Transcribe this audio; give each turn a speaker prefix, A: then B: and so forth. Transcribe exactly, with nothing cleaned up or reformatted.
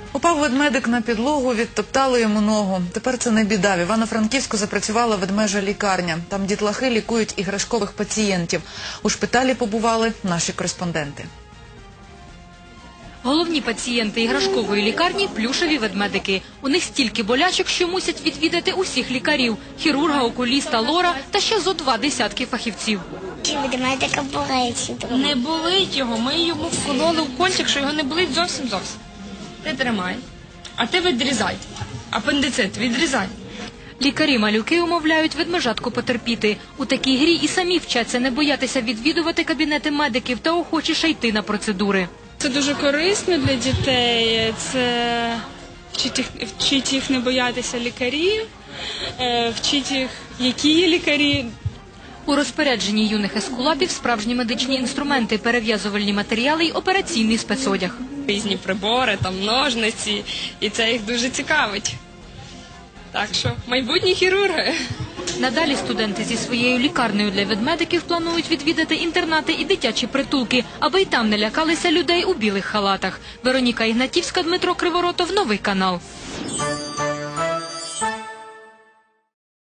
A: Упав ведмедик на підлогу, відтоптали йому ногу. Тепер це не біда. В Івано-Франківську запрацювала ведмежа лікарня. Там дітлахи лікують іграшкових пацієнтів. У шпиталі побували наші кореспонденти.
B: Головні пацієнти іграшкової лікарні – плюшеві ведмедики. У них стільки болячок, що мусять відвідати усіх лікарів – хірурга, окуліста, лора та ще зо два десятки фахівців.
C: Чи ведмедика болить?
D: Не болить його, ми йому вкололи в кончик, що його не болить зовсім-зовсім. Ти тримай, а ти відрізай. Апендицит відрізай.
B: Лікарі-малюки умовляють ведмежатку потерпіти. У такій грі і самі вчаться не боятися відвідувати кабінети медиків та охочіше йти на процедури.
E: Це дуже корисно для дітей, це вчить їх, вчить їх не боятися лікарів, вчить їх, які є лікарі.
B: У розпорядженні юних ескулапів справжні медичні інструменти, перев'язувальні матеріали й операційний спецодяг.
E: Різні прибори, там ножниці, і це їх дуже цікавить. Так що майбутні хірурги.
B: Надалі студенти зі своєю лікарнею для ведмедиків планують відвідати інтернати і дитячі притулки, аби й там не лякалися людей у білих халатах. Вероніка Ігнатівська, Дмитро Криворотов, Новий канал.